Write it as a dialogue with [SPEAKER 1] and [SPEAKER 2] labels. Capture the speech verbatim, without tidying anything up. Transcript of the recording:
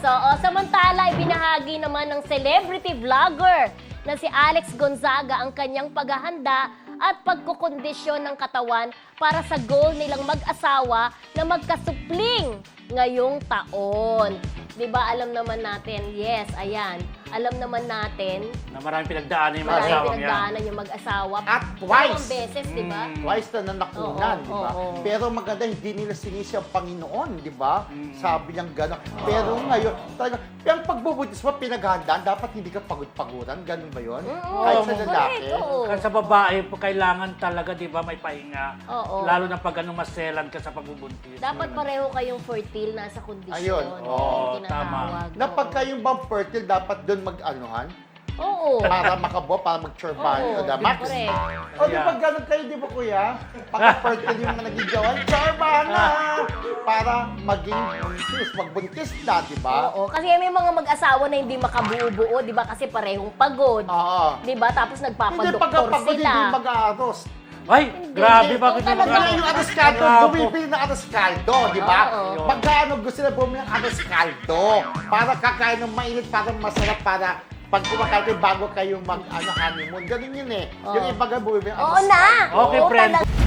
[SPEAKER 1] oo. Samantala, ibinahagi naman ng celebrity vlogger na si Alex Gonzaga ang kanyang paghahanda at pagkukondisyon ng katawan para sa goal nilang mag-asawa na magkasupling ngayong taon. Di ba alam naman natin, yes, ayan, alam naman natin,
[SPEAKER 2] Na maraming pinagdaanan yung mga
[SPEAKER 1] maraming
[SPEAKER 2] asawang yan.
[SPEAKER 1] pinagdaanan yung mag-asawa.
[SPEAKER 3] At twice.
[SPEAKER 1] Dalawang beses, di ba?
[SPEAKER 2] Mm.
[SPEAKER 3] Twice na nanakunan,
[SPEAKER 1] Oo,
[SPEAKER 3] di ba?
[SPEAKER 1] oo.
[SPEAKER 3] Pero maganda, hindi nila sinisi ang Panginoon, di ba?
[SPEAKER 2] Mm.
[SPEAKER 3] Sabi niyang gano'n. Pero ngayon, talaga, yung pagbubudis mo, pinaghandaan, dapat hindi ka pagod-paguran, gano'n ba yun?
[SPEAKER 1] Mm,
[SPEAKER 3] Kahit sa
[SPEAKER 1] correct,
[SPEAKER 3] lalaki.
[SPEAKER 1] oo.
[SPEAKER 2] Kasi sa babae, po, kailangan talaga, di ba, may pahinga.
[SPEAKER 1] Oo.
[SPEAKER 2] Lalo na pag ano, maselan ka sa pagbubuntis.
[SPEAKER 1] Dapat pareho kayong fertile, nasa kondisyon.
[SPEAKER 3] Ayun,
[SPEAKER 2] oo,
[SPEAKER 1] Yung
[SPEAKER 2] tama.
[SPEAKER 1] tinatawag.
[SPEAKER 3] Na pagka yung bang fertile, dapat doon mag-anuhan,
[SPEAKER 1] Oo.
[SPEAKER 3] para makabuo, para mag-churban.
[SPEAKER 1] Oo,
[SPEAKER 3] O, Max?
[SPEAKER 1] correct.
[SPEAKER 3] O, di ba ganun kayo, di ba kuya? Pagka-fertile yung mga naging gawan, churban na! Para maging buntis, magbuntis na, di ba?
[SPEAKER 1] Oo, kasi may mga mag-asawa na hindi makabuo-buo, di ba? Kasi parehong pagod.
[SPEAKER 3] Oo.
[SPEAKER 1] Di ba? Tapos
[SPEAKER 3] Hindi
[SPEAKER 1] nagpapadoktor
[SPEAKER 3] pagkapagod,
[SPEAKER 1] sila.
[SPEAKER 3] hindi mag-aaros.
[SPEAKER 2] Ay, grabe, bakit
[SPEAKER 1] Talaga.
[SPEAKER 2] naman?
[SPEAKER 3] Wala yung aros kaldo,
[SPEAKER 2] Bravo.
[SPEAKER 3] bumibili ng aros kaldo, di ba?
[SPEAKER 1] Oo.
[SPEAKER 3] Magkano gusto na bumili ng aros kaldo? Para kakain ng mainit, para masarap, para pag kumakain kayo bago kayo mag ano, honeymoon. Ganun yun eh. Yung
[SPEAKER 1] Oo.
[SPEAKER 3] iba nga bumibili ng
[SPEAKER 1] Oo
[SPEAKER 3] aros
[SPEAKER 1] na!
[SPEAKER 3] kaldo.
[SPEAKER 2] Okay,
[SPEAKER 1] Oo,
[SPEAKER 2] friend.
[SPEAKER 1] talaga.